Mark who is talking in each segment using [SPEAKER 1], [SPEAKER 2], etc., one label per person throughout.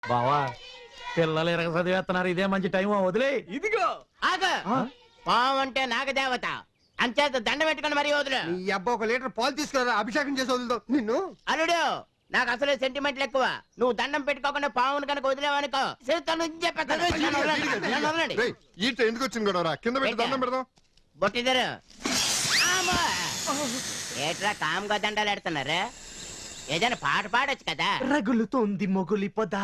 [SPEAKER 1] బావా పిల్లలు ఎరగ చదివేస్తున్నారు, ఇదే మంచి టైం, వదిలే.
[SPEAKER 2] ఇదిగో
[SPEAKER 3] ఆగ పాము అంటే నాగదేవత అంచేత దండ పెట్టుకుని మరీ వదులు.
[SPEAKER 2] ఈ అబ్బా ఒక లీటర్ పాలు తీసుకురా, అభిషేకం చేసి వదులుతావు నిన్ను.
[SPEAKER 3] అల్లుడు నాకు అసలే సెంటిమెంట్లు ఎక్కువ. నువ్వు దండం పెట్టుకోకుండా పావును కనుక వదిలేవనుకో
[SPEAKER 4] ఎందుకు వచ్చింది కూడా కింద పెట్టి దండం పెడదాం.
[SPEAKER 3] బొట్టిద్దరు ఏట్రా కామ్గా దండాలు ఎడుతున్నారు. ఏదైనా పాట పాడొచ్చు కదా.
[SPEAKER 5] రగులుతోంది మొగులి పొదా.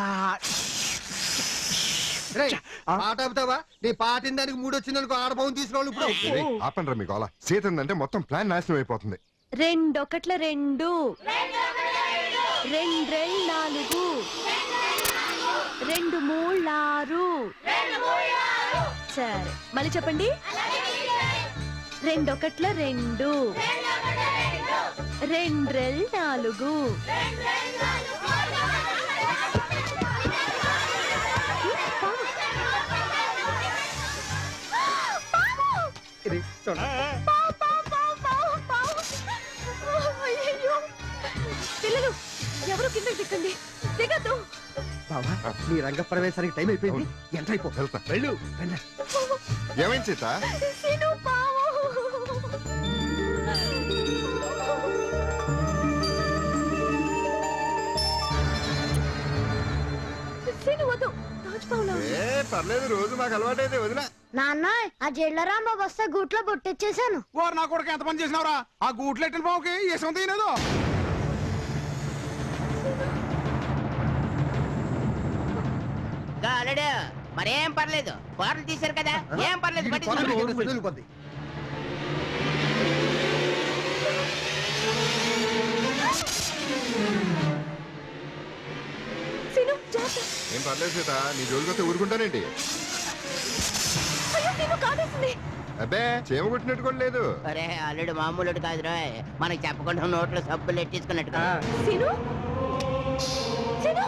[SPEAKER 2] పాట ఆపుతావా? నీ పాటిన దానికి మూడు వచ్చిందనుకో, ఆడపావును తీసుకురావాలి ఇప్పుడు.
[SPEAKER 4] ఆపండి రా మీకు అలా. సీత అంటే మొత్తం ప్లాన్ నాశనం అయిపోతుంది.
[SPEAKER 6] రెండొకట్ల రెండు, రెండ్రెల్ నాలుగు, రెండు మూళ్ళారు. సరే మళ్ళీ చెప్పండి. రెండొకట్ల రెండు, రెండ్రెల్ నాలుగు. పిల్లలు ఎవరు కింద దిక్కండి, దిగద్దు.
[SPEAKER 2] బావా నీ రంగ ప్రవేశానికి టైం అయిపోయింది. ఎంత అయిపో
[SPEAKER 4] వెళ్తా.
[SPEAKER 2] వెళ్ళు.
[SPEAKER 4] ఏమైంది సీత?
[SPEAKER 6] సీను పావు. సీను వద్దు, తాజ్పావులా ఉంది.
[SPEAKER 4] పర్లేదు, రోజు మాకు అలవాటైతే వదిలే.
[SPEAKER 7] నాన్న ఆ జైల్లో రాంబాబు వస్తే గూట్లో బొట్టెచ్చేసాను.
[SPEAKER 8] వారు నా కొడుకు ఎంత పని చేసినవరా? ఆ గూట్లెట్టిన బావుకి ఏసం తీయలేదు.
[SPEAKER 3] అల్లుడు మరేం పర్లేదు, బాటలు తీశారు కదా, ఏం పర్లేదు.
[SPEAKER 2] వదిలిపోద్ది.
[SPEAKER 6] సీను జాగ్రత్త.
[SPEAKER 4] ఏం పర్లేదు సీత, నీ జోలికొస్తే ఊరుకుంటానేంటి?
[SPEAKER 6] అయ్యో సీను కాటేసింది.
[SPEAKER 4] అబ్బే చేమ కొట్టినట్టు కూడా లేదు.
[SPEAKER 3] అరే అల్లుడు మామూలుడు కాదురా, మనకి చెప్పకుండా నోట్లో సబ్బులు ఎట్టించుకున్నట్టు.
[SPEAKER 6] సీను సీను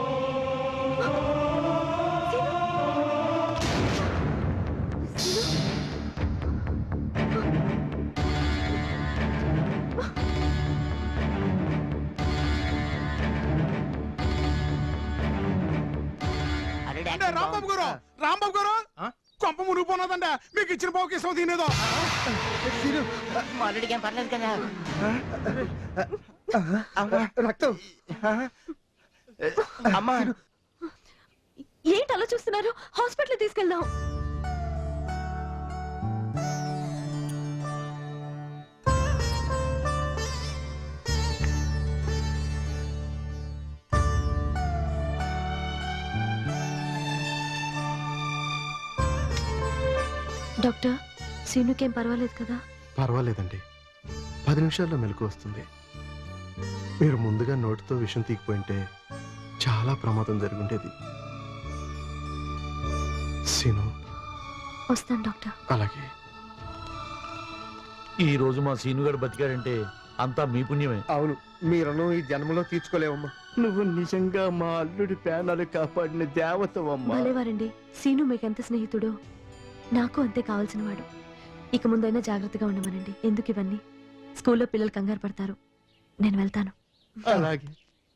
[SPEAKER 8] అంటే రాంబాబు గారు, రాంబాబు గారు కొంప మునిగిపోన్నదంట. మీకు ఇచ్చిన బావుకి ఇష్టం తినేదో.
[SPEAKER 3] అల్లుడికి ఏం పర్లేదు కదా.
[SPEAKER 2] రక్తం.
[SPEAKER 3] అమ్మా
[SPEAKER 6] ఏంటి అలా చూస్తున్నారు? హాస్పిటల్ తీసుకెళ్దాం. డాక్టర్ సీనుకేం పర్వాలేదు కదా?
[SPEAKER 9] పర్వాలేదండి, 10 నిమిషాల్లో మెలకు వస్తుంది. మీరు ముందుగా నోటితో విషం తీగిపోయింటే చాలా ప్రమాదం జరుగుండేది. సీను
[SPEAKER 6] వస్తాను డాక్టర్.
[SPEAKER 9] అలాగే.
[SPEAKER 1] ఈ రోజు మా సీనుగాడు బతికాడంటే అంతా మీ పుణ్యమే.
[SPEAKER 2] అవును, మీ రుణం ఈ జన్మలో తీర్చుకోలేవమ్మా.
[SPEAKER 5] నువ్వు నిజంగా మా అల్లుడి ప్రాణాలు కాపాడిన దేవతవమ్మా.
[SPEAKER 6] భలేవారండి. సీను మీకెంత స్నేహితుడో నాకు అంతే కావాల్సిన వాడు. ఇక ముందైనా జాగ్రత్తగా ఉండమనండి. ఎందుకు ఇవన్నీ? స్కూల్లో పిల్లలు కంగారు పడతారు. నేను వెళ్తాను.
[SPEAKER 5] అలాగే.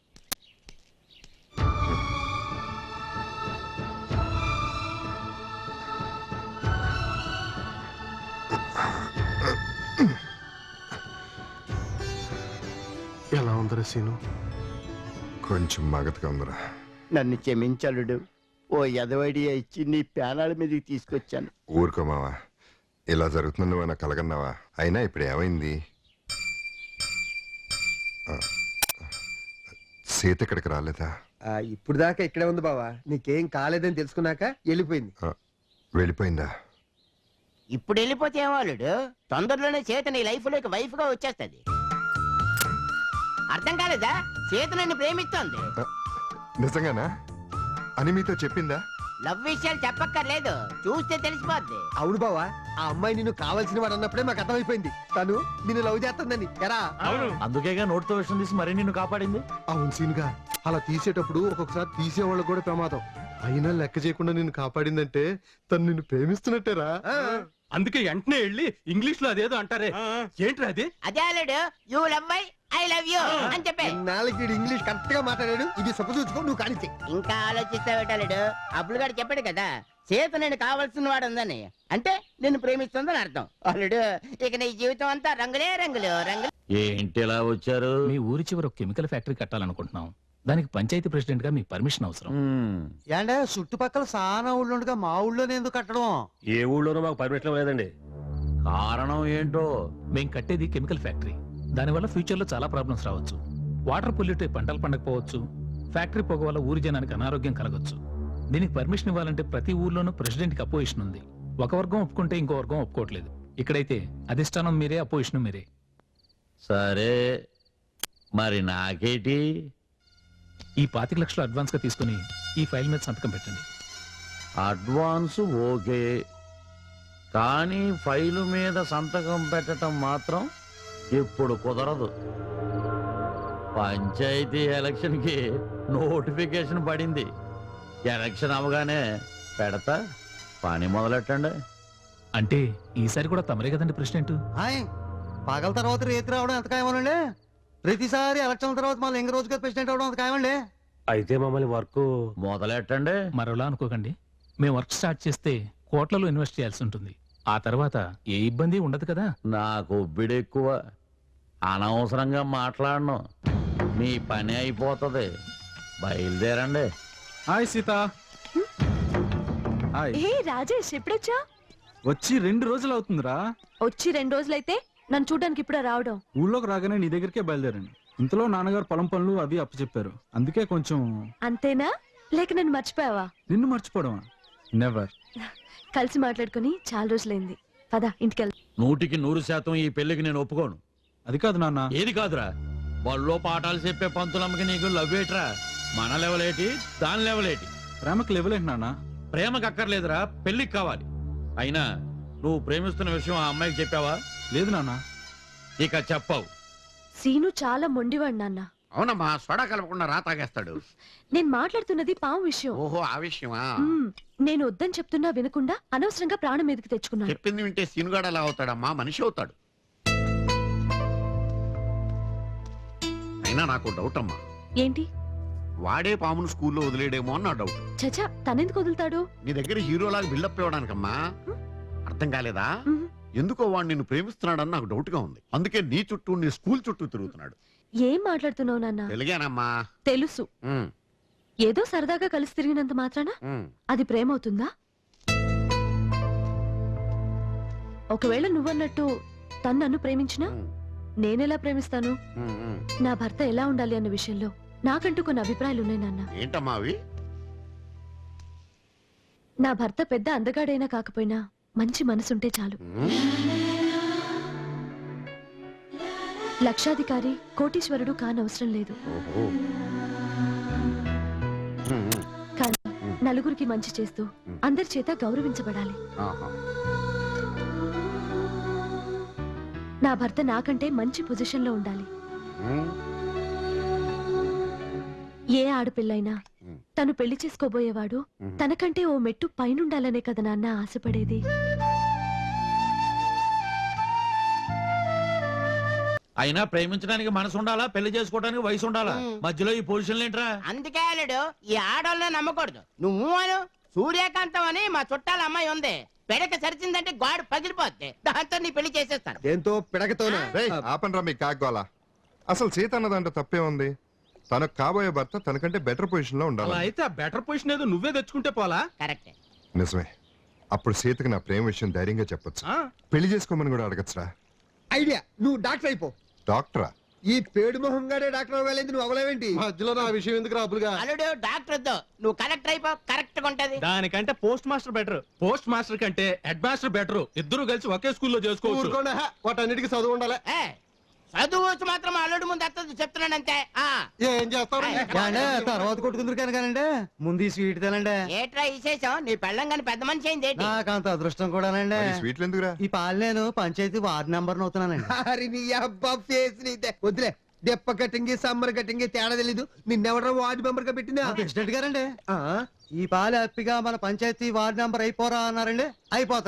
[SPEAKER 9] ఎలా ఉందరా సీను?
[SPEAKER 4] కొంచెం మగతగా ఉందిరా.
[SPEAKER 5] నన్ను క్షమించలుడు. ఓ ఎదవడియా ఇచ్చి నీ ప్రాణాల మీదకి తీసుకొచ్చాను.
[SPEAKER 4] ఊరుకో మావా, ఇలా జరుగుతుంది నువ్వు నాకు కలగన్నావా? అయినా ఇప్పుడు ఏమైంది? సీత ఇక్కడికి రాలేదా?
[SPEAKER 2] ఇప్పుడు దాకా ఇక్కడే ఉంది బావా. నీకేం కాలేదని తెలుసుకున్నాక వెళ్ళిపోయింది.
[SPEAKER 4] వెళ్ళిపోయిందా?
[SPEAKER 3] ఇప్పుడు వెళ్ళిపోతే ఏమో అల్లుడు, తొందరలోనే చేత నీ లైఫ్ లోకి వైఫ్ గా వచ్చేస్తుంది. అర్థం కాలేదా? చేత నన్ను ప్రేమిస్తోంది.
[SPEAKER 4] నిజంగానా అని మీతో చెప్పిందా?
[SPEAKER 3] లవ్ విషయాలు చెప్పక్కర్లేదు, చూస్తే తెలిసిపోద్ది.
[SPEAKER 2] అవును బావా, ఆ అమ్మాయి నిన్ను కావాల్సిన వాడు అన్నప్పుడే మాకు అర్థమైపోయింది. తను నిన్ను లవ్ చేస్తుందని. ఎరా
[SPEAKER 1] అందుకేగా నోటితో విషం తీసి మరీ నిన్ను కాపాడింది.
[SPEAKER 9] అవును సీనుగా, అలా తీసేటప్పుడు ఒక్కొక్కసారి తీసేవాళ్ళకు కూడా ప్రమాదం. అయినా లెక్క చేయకుండా నిన్ను కాపాడిందంటే తను నిన్ను ప్రేమిస్తున్నట్టేరా.
[SPEAKER 5] అందుకే వెంటనే వెళ్ళి ఇంగ్లీష్ లో అదేదో అంటారే, ఏంట్రా అది?
[SPEAKER 3] అదే అల్లుడు, you love my I love you అని చెప్పే.
[SPEAKER 2] నాలుగు ఇంగ్లీష్ కరెక్ట్ గా మాట్లాడాడు. ఇది సపోజ్ నువ్వు కానిచ్చే.
[SPEAKER 3] ఇంకా ఆలోచిస్తావేటాడు? అబ్బులు గారు చెప్పాడు కదా సీత నేను కావాల్సిన వాడు ఉందని, అంటే నిన్ను ప్రేమిస్తుందని అర్థం. అల్లుడు ఇక నీ జీవితం అంతా రంగులే రంగులు రంగులు.
[SPEAKER 1] ఏంటి ఇలా వచ్చారు? మీ ఊరి చివర ఒక కెమికల్ ఫ్యాక్టరీ కట్టాలనుకుంటున్నాం. దానికి పంచాయతీ ప్రెసిడెంట్ గా మీ పర్మిషన్ అవసరం.
[SPEAKER 2] ఏంటే చుట్టుపక్కల సానా ఊళ్ళో ఉండగా మా ఊళ్ళోనే ఎందుకు కట్టడం?
[SPEAKER 10] ఏ ఊళ్ళోనూ మాకు పర్మిషన్ లేదండి.
[SPEAKER 1] కారణం ఏంటో? మేం కట్టేది కెమికల్ ఫ్యాక్టరీ. దానివల్ల ఫ్యూచర్ లో చాలా ప్రాబ్లమ్స్ రావచ్చు. వాటర్ పొల్యూట్ అయి పంటలు పండకపోవచ్చు. ఫ్యాక్టరీ పొగ వల్ల ఊరి జనానికి అనారోగ్యం కలగొచ్చు. దీనికి పర్మిషన్ ఇవ్వాలంటే ప్రతి ఊర్లోనూ ప్రెసిడెంట్ కి అపోజిషన్ ఉంది. ఒక వర్గం ఒప్పుకుంటే ఇంకో వర్గం ఒప్పుకోవట్లేదు. ఇక్కడైతే అధిష్టానం మీరే, అపోజిషన్ మీరే.
[SPEAKER 11] సరే మరి నాకేటి?
[SPEAKER 1] ఈ 25 లక్షలు అడ్వాన్స్ గా తీసుకుని ఈ ఫైల్ మీద సంతకం పెట్టండి.
[SPEAKER 11] అడ్వాన్స్ ఓకే, కానీ ఫైలు మీద సంతకం పెట్టడం మాత్రం ఇప్పుడు కుదరదు. పంచాయతీ ఎలక్షన్కి నోటిఫికేషన్ పడింది. ఎలక్షన్ అవగానే పెడతా, పని మొదలెట్టండి.
[SPEAKER 1] అంటే ఈసారి కూడా తమరే కదండి ప్రెసిడెంట్?
[SPEAKER 2] పగల తర్వాత రేతి రావడం ఎంత ఖాయమనండి? ప్రతిసారి ఎలక్షన్ తర్వాత మళ్ళీ ఇంక రోజుగా ప్రెసిడెంట్ అవడం ఎంత ఖాయమండి?
[SPEAKER 10] అయితే మమ్మల్ని వర్క్
[SPEAKER 11] మొదలెట్టండి.
[SPEAKER 1] మరోలా అనుకోకండి. మేము వర్క్ స్టార్ట్ చేస్తే కోట్లలో ఇన్వెస్ట్ చేయాల్సి ఉంటుంది. ఆ తర్వాత ఏ ఇబ్బంది ఉండదు కదా.
[SPEAKER 11] నాకు ఒబ్బిడి ఎక్కువ, అనవసరంగా మాట్లాడను. మీ పని అయిపోతుంది. బయలుదేరండి.
[SPEAKER 8] హాయ్ సీత. హాయ్.
[SPEAKER 6] ఏ రాజేష్ ఎప్పుడొచ్చా?
[SPEAKER 8] వచ్చి 2 రోజులు అవుతుందిరా.
[SPEAKER 6] వచ్చి 2 రోజులైతే నన్ను చూడడానికి ఇప్పుడే రావడం?
[SPEAKER 8] ఊళ్ళోకి రాగానే నీ దగ్గరికే బయలుదేరండి. ఇంతలో నాన్నగారు పొలం పనులు అవి అప్పచెప్పారు. అందుకే కొంచెం.
[SPEAKER 6] అంతేనా? లేక నన్ను మర్చిపోయావా?
[SPEAKER 8] నిన్ను మర్చిపోవడమా? నెవర్.
[SPEAKER 6] కలిసి మాట్లాడుకుని చాలా రోజులైంది. పద ఇంటికెళ్.
[SPEAKER 11] 100% ఈ పెళ్లికి నేను ఒప్పుకోను.
[SPEAKER 8] అది కాదు నాన్న.
[SPEAKER 11] ఏది కాదురా? బళ్ళో పాఠాలు చెప్పే పంతులమ్మకి నీకు లవ్వేట్రా? మన లెవలేటి, దాని లెవలేటి?
[SPEAKER 8] ప్రేమకు లెవలేంటి నాన్న?
[SPEAKER 11] ప్రేమకు అక్కర్లేదురా, పెళ్లికి కావాలి. అయినా నువ్వు ప్రేమిస్తున్న విషయం ఆ అమ్మాయికి చెప్పావా?
[SPEAKER 8] లేదు నాన్న.
[SPEAKER 11] ఇక చెప్పావు.
[SPEAKER 6] సీను చాలా మొండివాడు నాన్న.
[SPEAKER 5] అవునమ్మా, సోడా కలపకుండా రా తాగేస్తాడు.
[SPEAKER 6] నేను మాట్లాడుతున్నది పాము విషయం.
[SPEAKER 5] ఓహో, ఆ విషయమా?
[SPEAKER 6] నేను వద్దని చెప్తున్నా వినకుండా అనవసరంగా ప్రాణం మీదకి తెచ్చుకున్నాను.
[SPEAKER 5] చెప్పింది వింటే సీనుగాడు ఎలా అవుతాడమ్మా? మనిషి అవుతాడు. అయినా నాకు డౌట్ అమ్మా.
[SPEAKER 6] ఏంటి?
[SPEAKER 5] వాడే పామును స్కూల్లో వదిలేడేమో అని నా డౌట్.
[SPEAKER 6] చచా, తనెందుకు వదులుతాడు?
[SPEAKER 5] నీ దగ్గర హీరోలాగా బిల్డప్ ఇవ్వడానికమ్మా. అర్థం కాలేదా?
[SPEAKER 6] మ్మ్.
[SPEAKER 5] ఎందుకో వాడు నిన్ను ప్రేమిస్తున్నాడని నాకు డౌట్ గా ఉంది. అందుకే నీ చుట్టూ, నీ స్కూల్ చుట్టూ తిరుగుతున్నాడు.
[SPEAKER 6] ఏం మాట్లాడుతున్నావు నాన్న?
[SPEAKER 5] తెలిగానమ్మా.
[SPEAKER 6] తెలుసు. ఏదో సరదాగా కలిసి తిరిగినంత మాత్రాన అది ప్రేమ అవుతుందా? ఒకవేళ నువ్వన్నట్టు తను నన్ను ప్రేమించినా నేనెలా ప్రేమిస్తాను? నా భర్త ఎలా ఉండాలి అన్న విషయంలో నాకంటూ కొన్ని అభిప్రాయాలు ఉన్నాయి నాన్న.
[SPEAKER 5] ఏంటమ్మా అవి?
[SPEAKER 6] నా భర్త పెద్ద అందగాడైనా కాకపోయినా మంచి మనసుంటే చాలు. లక్షాధికారి, కోటీశ్వరుడు కానవసరం లేదు. కానీ నలుగురికి మంచి చేస్తూ అందరి చేత గౌరవించబడాలి. నా భర్త నాకంటే మంచి పొజిషన్ లో ఉండాలి. ఏ ఆడపిల్లైనా తను పెళ్లి చేసుకోబోయేవాడు తనకంటే ఓ మెట్టు పైనుండాలనే కదా నాన్న ఆశపడేది.
[SPEAKER 11] అయినా ప్రేమించడానికి మనసు ఉండాలా, పెళ్లి చేసుకోవడానికి వయసు ఉండాలా? మధ్యలో ఈ పొజిషన్లు ఏంట్రా?
[SPEAKER 3] అందుకే అల్లుడు ఈ ఆడోళ్ళని నమ్మకూడదు. నువ్వు అను సూర్యకాంతం అని మా చుట్టాల అమ్మాయి ఉంది. పెడక సరిచిందంటే గాడు పగిలిపోద్ది. దాంతో నీ పెళ్లి చేసేస్తాను.
[SPEAKER 2] దేంతో? పిడకతోనా?
[SPEAKER 4] ఆపనరా మీ కాగ్గోలా. అసలు సీత అన్నదంటే తప్పే ఉంది. తనకు కాబోయే భర్త తనకంటే బెటర్ పొజిషన్ లో ఉండాలి.
[SPEAKER 8] అయితే ఆ బెటర్ పొజిషన్ ఏదో నువ్వే తెచ్చుకుంటే పోలా?
[SPEAKER 3] కరెక్ట్.
[SPEAKER 4] నిజమే. అప్పుడు సీతకి నా ప్రేమ విషయం ధైర్యంగా చెప్పొచ్చు. పెళ్లి చేసుకోమని కూడా అడగచ్చురా.
[SPEAKER 2] ఐడియా. నువ్వు డాక్టర్ అయిపో.
[SPEAKER 4] డాక్టరా?
[SPEAKER 2] ఈ పేడు మొహంగానే డాక్టర్ అవ్వాలేంటి? నువ్వు అవ్వలేవేంటి?
[SPEAKER 9] మధ్యలో నా విషయం ఎందుకు రాబులుగా?
[SPEAKER 3] అల్లుడు డాక్టర్ వద్దు, నువ్వు కలెక్టర్ అయిపో. కరెక్ట్ గా ఉంటది.
[SPEAKER 8] దానికంటే post master better. Post master కంటే హెడ్ మాస్టర్ బెటర్. ఇద్దరు కలిసి ఒకే స్కూల్లో చేసుకోవచ్చు.
[SPEAKER 9] ఊరుకోండి, వాటన్నిటికీ చదువు ఉండాలి.
[SPEAKER 3] చదువు మాత్రం అల్లుడు ముందు అత్తది చెప్తున్నానంతే.
[SPEAKER 9] ఏం చేస్తావు?
[SPEAKER 2] తర్వాత కొట్టుకుందరు కానండి. ముందు ఈ స్వీట్ తినండి.
[SPEAKER 3] ఏట్రా విశేషం? నీ పెళ్ళం గాని పెద్ద మనిషి అయింది ఏంటి?
[SPEAKER 2] నాకంత అదృష్టం కూడానండి.
[SPEAKER 4] మరి స్వీట్లు ఎందుకురా?
[SPEAKER 2] ఈ పాలు నేను పంచాయతీ వార్డు నెంబర్ అవుతున్నానండి. వద్దులే. దెప్ప కట్టింగి సమ్మర్ కట్టింగి తేడా తెలీదు. నిన్నెవడరా వార్డు మెంబర్ గా పెట్టిందా? ప్రెసిడెంట్ గారండి. ఈ పాలు హ్యాపీగా మన పంచాయతీ వార్డు నెంబర్ అయిపోరా అన్నారండి. అయిపోతున్నానండి.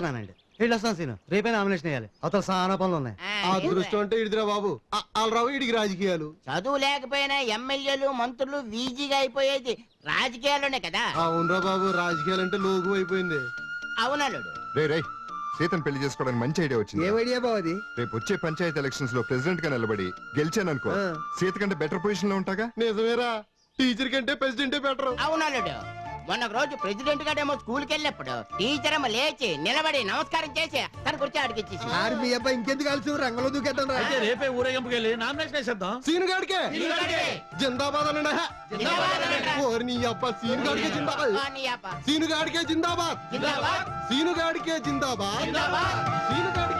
[SPEAKER 2] వెళ్ళొస్తాను సీను, రేపే నామినేషన్ వేయాలి. అవతల చాలా పనులు ఉన్నాయి.
[SPEAKER 3] ఆ,
[SPEAKER 9] అదృష్టం అంటే ఇడిదిరా బాబు. రావు ఇడికి రాజకీయాలు.
[SPEAKER 3] చదువు లేకపోయినా ఎమ్మెల్యేలు మంత్రులు వీజీగా అయిపోయేది రాజకీయాల్లోనే కదా.
[SPEAKER 9] అవునరా బాబు, రాజకీయాలు అంటే లోకు అయిపోయింది.
[SPEAKER 3] అవునల్లుడు.
[SPEAKER 4] రే సీతను పెళ్లి చేసుకోవడానికి మంచి ఐడియా వచ్చింది.
[SPEAKER 2] ఏం ఐడియా బాబు అది?
[SPEAKER 4] రేపు వచ్చే పంచాయతీ ఎలక్షన్స్ లో ప్రెసిడెంట్ గా నిలబడి గెలిచాననుకో, సీత కంటే బెటర్ పొజిషన్ లో ఉంటాగా.
[SPEAKER 9] నిజమేరా, టీచర్ కంటే ప్రెసిడెంటే బెటర్.
[SPEAKER 3] అవునల్లుడు. మొన్న ఒక రోజు ప్రెసిడెంట్ గారేమో స్కూల్కి వెళ్ళినప్పుడు టీచర్ ఏమో లేచి నిలబడి నమస్కారం చేసి తన కుర్చీ అడిగిచ్చేసి
[SPEAKER 2] ఆరు మీ అబ్బాయి ఇంకెందుకు కలిసి రంగంలో దూకేద్దాం రా.
[SPEAKER 11] అయితే రేపే ఊరేగింపుకి వెళ్ళి నామినేషన్ వేసేద్దాం.
[SPEAKER 9] సీను గాడికే జిందాబాద్ అనండి. ఓరి నీ అబ్బా, సీను గాడికే జిందాబాద్. సీను గాడికే జిందాబాద్. సీను గాడికే జిందాబాద్. సీను గాడి